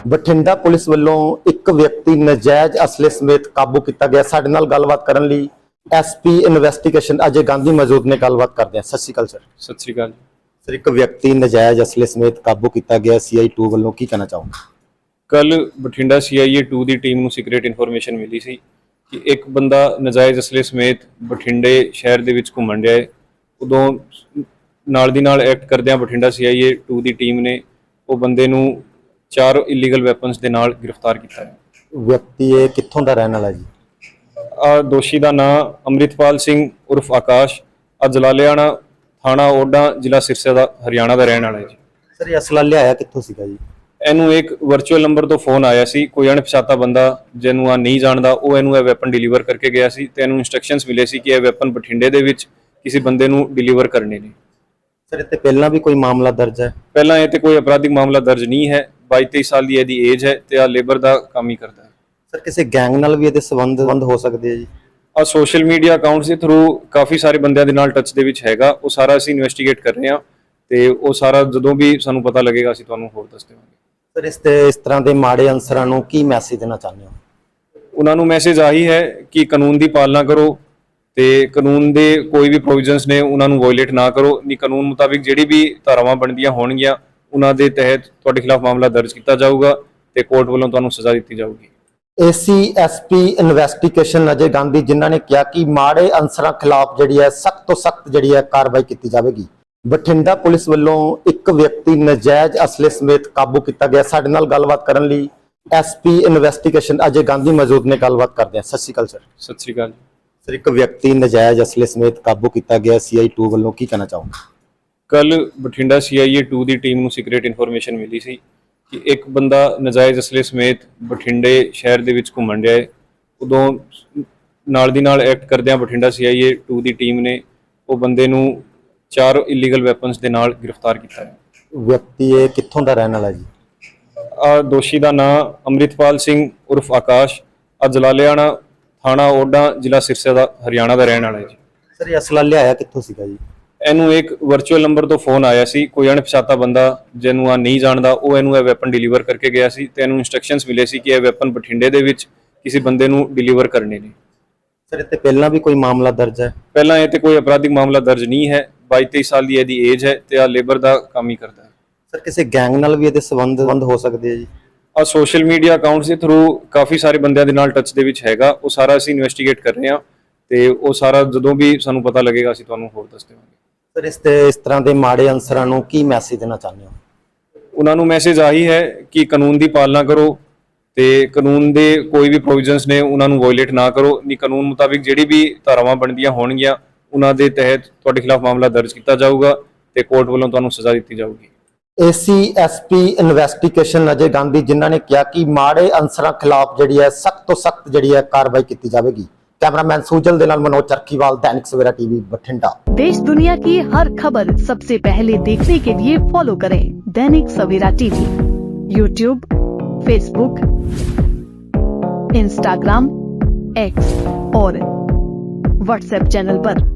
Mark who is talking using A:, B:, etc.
A: Bathinda police ਵੱਲੋਂ ਇੱਕ ਵਿਅਕਤੀ ਨਜਾਇਜ਼ ਅਸਲੇ ਸਮੇਤ ਕਾਬੂ ਕੀਤਾ ਗਿਆ। ਸਾਡੇ ਨਾਲ ਗੱਲਬਾਤ ਕਰਨ ਲਈ ਐਸਪੀ ਇਨਵੈਸਟੀਗੇਸ਼ਨ ਅਜੇ ਗਾਂਧੀ ਮੌਜੂਦ ਨੇ। ਗੱਲਬਾਤ ਕਰਦੇ ਹਾਂ। ਸਤਿ ਸ਼੍ਰੀ ਅਕਾਲ ਸਰ।
B: ਸਤਿ ਸ਼੍ਰੀ ਅਕਾਲ
A: ਸਰ, ਇੱਕ ਵਿਅਕਤੀ ਨਜਾਇਜ਼ ਅਸਲੇ ਸਮੇਤ ਕਾਬੂ ਕੀਤਾ ਗਿਆ CI 2 ਵੱਲੋਂ, ਕੀ ਕਹਿਣਾ ਚਾਹੋਗੇ?
B: ਕੱਲ ਬਠਿੰਡਾ CIA 2 ਦੀ ਟੀਮ ਨੂੰ ਸੀਕ੍ਰੀਟ ਇਨਫੋਰਮੇਸ਼ਨ ਮਿਲੀ ਸੀ ਕਿ ਇੱਕ ਬੰਦਾ ਨਜਾਇਜ਼ ਅਸਲੇ ਸਮੇਤ ਬਠਿੰਡੇ ਸ਼ਹਿਰ ਦੇ ਵਿੱਚ ਘੁੰਮਣ ਰਿਹਾ ਹੈ। ਉਦੋਂ ਨਾਲ ਦੀ ਨਾਲ ਐਕਟ ਕਰਦਿਆਂ ਬਠਿੰਡਾ CIA 2 ਦੀ ਟੀਮ ਨੇ ਉਹ ਬੰਦੇ ਨੂੰ 4 ਇਲੀਗਲ ਵੈਪਨਸ ਦੇ ਨਾਲ ਗ੍ਰਿਫਤਾਰ ਕੀਤਾ ਹੈ।
A: ਵਿਅਕਤੀ ਇਹ ਕਿੱਥੋਂ ਦਾ ਰਹਿਣ ਵਾਲਾ ਜੀ?
B: ਦੋਸ਼ੀ ਦਾ ਨਾਮ ਅੰਮ੍ਰਿਤਪਾਲ ਸਿੰਘ ਉਰਫ ਆਕਾਸ਼, ਜਲਾਲਿਆਣਾ ਥਾਣਾ ਓਡਾ, ਜ਼ਿਲ੍ਹਾ ਸਿਰਸਾ ਦਾ, ਹਰਿਆਣਾ ਦਾ ਰਹਿਣ ਵਾਲਾ ਹੈ ਜੀ।
A: ਸਰ, ਇਹ ਅਸਲਾ ਲਿਆਇਆ ਕਿੱਥੋਂ ਸੀਗਾ ਜੀ?
B: ਇਹਨੂੰ ਇੱਕ ਵਰਚੁਅਲ ਨੰਬਰ ਤੋਂ ਫੋਨ ਆਇਆ ਸੀ। ਕੋਈ ਅਣਪਛਾਤਾ ਬੰਦਾ ਜਿਹਨੂੰ ਆ ਨਹੀਂ ਜਾਣਦਾ, ਉਹ ਇਹਨੂੰ ਇਹ ਵੈਪਨ ਡਿਲੀਵਰ ਕਰਕੇ ਗਿਆ ਸੀ ਤੇ ਇਹਨੂੰ ਇੰਸਟਰਕਸ਼ਨਸ ਮਿਲੇ ਸੀ ਕਿ ਇਹ ਵੈਪਨ ਬਠਿੰਡੇ ਦੇ ਵਿੱਚ ਕਿਸੇ ਬੰਦੇ ਨੂੰ ਡਿਲੀਵਰ ਕਰਨੇ ਨੇ।
A: ਸਰ, ਇੱਥੇ ਪਹਿਲਾਂ ਵੀ ਕੋਈ ਮਾਮਲਾ ਦਰਜ ਹੈ?
B: ਪਹਿਲਾਂ ਇਹ ਤੇ ਕੋਈ ਅਪਰਾਧਿਕ ਮਾਮਲਾ ਦਰਜ ਨਹੀਂ ਹੈ। 22-23 ਸਾਲ ਦੀ ਇਹਦੀ ਏਜ ਹੈ ਤੇ ਆ ਲੇਬਰ ਦਾ ਕੰਮ ਹੀ ਕਰਦਾ ਹੈ।
A: ਸਰ, ਕਿਸੇ ਗੈਂਗ ਨਾਲ ਵੀ ਇਹਦੇ ਸੰਬੰਧ ਹੋ ਸਕਦੇ ਆ ਜੀ?
B: ਆ ਸੋਸ਼ਲ ਮੀਡੀਆ ਅਕਾਊਂਟਸ ਦੇ ਥਰੂ ਕਾਫੀ ਸਾਰੇ ਬੰਦਿਆਂ ਦੇ ਨਾਲ ਟੱਚ ਦੇ ਵਿੱਚ ਹੈਗਾ। ਉਹ ਸਾਰਾ ਅਸੀਂ ਇਨਵੈਸਟੀਗੇਟ ਕਰ ਰਹੇ ਹਾਂ ਤੇ ਉਹ ਸਾਰਾ ਜਦੋਂ ਵੀ ਸਾਨੂੰ ਪਤਾ ਲੱਗੇਗਾ ਅਸੀਂ ਤੁਹਾਨੂੰ ਹੋਰ ਦੱਸ ਦੇਵਾਂਗੇ।
A: ਸਰ, ਇਸ ਤਰ੍ਹਾਂ ਦੇ ਮਾੜੇ ਅਨਸਰਾਂ ਨੂੰ ਕੀ ਮੈਸੇਜ ਦੇਣਾ ਚਾਹੁੰਦੇ ਹੋ?
B: ਉਹਨਾਂ ਨੂੰ ਮੈਸੇਜ ਆਹੀ ਹੈ ਕਿ ਕਾਨੂੰਨ ਦੀ ਪਾਲਣਾ ਕਰੋ ਤੇ ਕਾਨੂੰਨ ਦੇ ਕੋਈ ਵੀ ਪ੍ਰੋਵੀਜ਼ਨਸ ਨੇ ਉਹਨਾਂ ਨੂੰ ਵਾਇਲੇਟ ਨਾ ਕਰੋ। ਨਹੀਂ, ਕਾਨੂੰਨ ਮੁਤਾਬਿਕ ਜਿਹੜੀ ਵੀ ਧਾਰਾਵਾਂ ਬਣਦੀਆਂ ਹੋਣਗੀਆਂ ਉਹਨਾਂ ਦੇ ਤਹਿਤ ਤੁਹਾਡੇ ਖਿਲਾਫ ਮਾਮਲਾ ਦਰਜ ਕੀਤਾ ਜਾਊਗਾ ਤੇ ਕੋਰਟ ਵੱਲੋਂ ਤੁਹਾਨੂੰ ਸਜ਼ਾ ਦਿੱਤੀ ਜਾਊਗੀ।
A: ਐਸਪੀ ਇਨਵੈਸਟੀਗੇਸ਼ਨ ਅਜੇ ਗਾਂਧੀ ਜਿਨ੍ਹਾਂ ਨੇ ਕਿਹਾ ਕਿ ਮਾੜੇ ਅਨਸਰਾਂ ਖਿਲਾਫ ਜਿਹੜੀ ਹੈ ਸਖਤ ਤੋਂ ਸਖਤ ਜਿਹੜੀ ਹੈ ਕਾਰਵਾਈ ਕੀਤੀ ਜਾਵੇਗੀ। ਬਠਿੰਡਾ ਪੁਲਿਸ ਵੱਲੋਂ ਇੱਕ ਵਿਅਕਤੀ ਨਜਾਇਜ਼ ਅਸਲੇ ਸਮੇਤ ਕਾਬੂ ਕੀਤਾ ਗਿਆ। ਸਾਡੇ ਨਾਲ ਗੱਲਬਾਤ ਕਰਨ ਲਈ ਐਸਪੀ ਇਨਵੈਸਟੀਗੇਸ਼ਨ ਅਜੇ ਗਾਂਧੀ ਮੌਜੂਦ ਨੇ। ਗੱਲਬਾਤ ਕਰਦੇ ਹਾਂ। ਸਤਿ ਸ਼੍ਰੀ ਅਕਾਲ ਸਰ।
B: ਸਤਿ ਸ਼੍ਰੀ ਅਕਾਲ
A: ਸਰ, ਇੱਕ ਵਿਅਕਤੀ ਨਜਾਇਜ਼ ਅਸਲੇ ਸਮੇਤ ਕਾਬੂ ਕੀਤਾ ਗਿਆ CI 2 ਵੱਲੋਂ, ਕੀ ਕਹਿਣਾ ਚਾਹੋਗੇ?
B: ਕੱਲ ਬਠਿੰਡਾ CIA 2 ਦੀ ਟੀਮ ਨੂੰ ਸੀਕ੍ਰੀਟ ਇਨਫੋਰਮੇਸ਼ਨ ਮਿਲੀ ਸੀ ਕਿ ਇੱਕ ਬੰਦਾ ਨਜਾਇਜ਼ ਅਸਲੇ ਸਮੇਤ ਬਠਿੰਡੇ ਸ਼ਹਿਰ ਦੇ ਵਿੱਚ ਘੁੰਮਣ ਰਿਹਾ ਹੈ। ਉਦੋਂ ਨਾਲ ਦੀ ਨਾਲ ਐਕਟ ਕਰਦਿਆਂ ਬਠਿੰਡਾ CIA 2 ਦੀ ਟੀਮ ਨੇ ਉਹ ਬੰਦੇ ਨੂੰ 4 ਇਲੀਗਲ ਵੈਪਨਸ ਦੇ ਨਾਲ ਗ੍ਰਿਫਤਾਰ ਕੀਤਾ ਹੈ।
A: ਵਿਅਕਤੀ ਇਹ ਕਿੱਥੋਂ ਦਾ ਰਹਿਣ ਵਾਲਾ ਜੀ?
B: ਦੋਸ਼ੀ ਦਾ ਨਾਮ ਅੰਮ੍ਰਿਤਪਾਲ ਸਿੰਘ ਉਰਫ ਆਕਾਸ਼, ਜਲਾਲਿਆਣਾ ਥਾਣਾ ਓਡਾ, ਜ਼ਿਲ੍ਹਾ ਸਿਰਸਾ ਦਾ, ਹਰਿਆਣਾ ਦਾ ਰਹਿਣ ਵਾਲਾ ਹੈ ਜੀ।
A: ਸਰ, ਇਹ ਅਸਲਾ ਲਿਆਇਆ ਕਿੱਥੋਂ ਸੀਗਾ ਜੀ?
B: ਇਹਨੂੰ ਇੱਕ ਵਰਚੁਅਲ ਨੰਬਰ ਤੋਂ ਫੋਨ ਆਇਆ ਸੀ। ਕੋਈ ਅਣਪਛਾਤਾ ਬੰਦਾ ਜਿਹਨੂੰ ਆ ਨਹੀਂ ਜਾਣਦਾ, ਉਹ ਇਹਨੂੰ ਇਹ ਵੈਪਨ ਡਿਲੀਵਰ ਕਰਕੇ ਗਿਆ ਸੀ ਤੇ ਇਹਨੂੰ ਇੰਸਟਰਕਸ਼ਨਸ ਮਿਲੇ ਸੀ ਕਿ ਇਹ ਵੈਪਨ ਬਠਿੰਡੇ ਦੇ ਵਿੱਚ ਕਿਸੇ ਬੰਦੇ ਨੂੰ ਡਿਲੀਵਰ ਕਰਨੇ ਨੇ।
A: ਸਰ, ਇੱਥੇ ਪਹਿਲਾਂ ਵੀ ਕੋਈ ਮਾਮਲਾ ਦਰਜ ਹੈ?
B: ਪਹਿਲਾਂ ਇਹ ਤੇ ਕੋਈ ਅਪਰਾਧਿਕ ਮਾਮਲਾ ਦਰਜ ਨਹੀਂ ਹੈ। 22-23 ਸਾਲ ਦੀ ਇਹਦੀ ਏਜ ਹੈ ਤੇ ਆ ਲੇਬਰ ਦਾ ਕੰਮ ਹੀ ਕਰਦਾ ਹੈ।
A: ਸਰ, ਕਿਸੇ ਗੈਂਗ ਨਾਲ ਵੀ ਇਹਦੇ ਸੰਬੰਧ ਹੋ ਸਕਦੇ ਆ ਜੀ?
B: ਆ ਸੋਸ਼ਲ ਮੀਡੀਆ ਅਕਾਊਂਟਸ ਦੇ ਥਰੂ ਕਾਫੀ ਸਾਰੇ ਬੰਦਿਆਂ ਦੇ ਨਾਲ ਟੱਚ ਦੇ ਵਿੱਚ ਹੈਗਾ। ਉਹ ਸਾਰਾ ਅਸੀਂ ਇਨਵੈਸਟੀਗੇਟ ਕਰ ਰਹੇ ਹਾਂ ਤੇ ਉਹ ਸਾਰਾ ਜਦੋਂ ਵੀ ਸਾਨੂੰ ਪਤਾ ਲੱਗੇਗਾ ਅਸੀਂ ਤੁਹਾਨੂੰ ਹੋਰ ਦੱਸ ਦੇਵਾਂਗੇ।
A: ਸਰ, ਇਸ ਤਰ੍ਹਾਂ ਦੇ ਮਾੜੇ ਅਨਸਰਾਂ ਨੂੰ ਕੀ ਮੈਸੇਜ ਦੇਣਾ ਚਾਹੁੰਦੇ ਹੋ?
B: ਉਹਨਾਂ ਨੂੰ ਮੈਸੇਜ ਆਹੀ ਹੈ ਕਿ ਕਾਨੂੰਨ ਦੀ ਪਾਲਣਾ ਕਰੋ ਤੇ ਕਾਨੂੰਨ ਦੇ ਕੋਈ ਵੀ ਪ੍ਰੋਵੀਜ਼ਨਸ ਨੇ ਉਹਨਾਂ ਨੂੰ ਵਾਇਲੇਟ ਨਾ ਕਰੋ। ਨਹੀਂ, ਕਾਨੂੰਨ ਮੁਤਾਬਿਕ ਜਿਹੜੀ ਵੀ ਧਾਰਾਵਾਂ ਬਣਦੀਆਂ ਹੋਣਗੀਆਂ ਉਹਨਾਂ ਦੇ ਤਹਿਤ ਤੁਹਾਡੇ ਖਿਲਾਫ ਮਾਮਲਾ ਦਰਜ ਕੀਤਾ ਜਾਊਗਾ ਤੇ ਕੋਰਟ ਵੱਲੋਂ ਤੁਹਾਨੂੰ ਸਜ਼ਾ ਦਿੱਤੀ ਜਾਊਗੀ।
A: ਐਸਪੀ ਇਨਵੈਸਟੀਗੇਸ਼ਨ ਅਜੇ ਗਾਂਧੀ ਜਿਨ੍ਹਾਂ ਨੇ ਕਿਹਾ ਕਿ ਮਾੜੇ ਅਨਸਰਾਂ ਖਿਲਾਫ ਜਿਹੜੀ ਹੈ ਸਖਤ ਤੋਂ ਸਖਤ ਜਿਹੜੀ ਹੈ ਕਾਰਵਾਈ ਕੀਤੀ ਜਾਵੇਗੀ। कैमरामैन सुजल दे नाल मनोज चरखीवाल, दैनिक सवेरा टीवी, बठिंडा।
C: देश दुनिया की हर खबर सबसे पहले देखने के लिए फॉलो करें Dainik Savera TV, YouTube, Facebook, Instagram, X और व्हाट्सएप चैनल पर।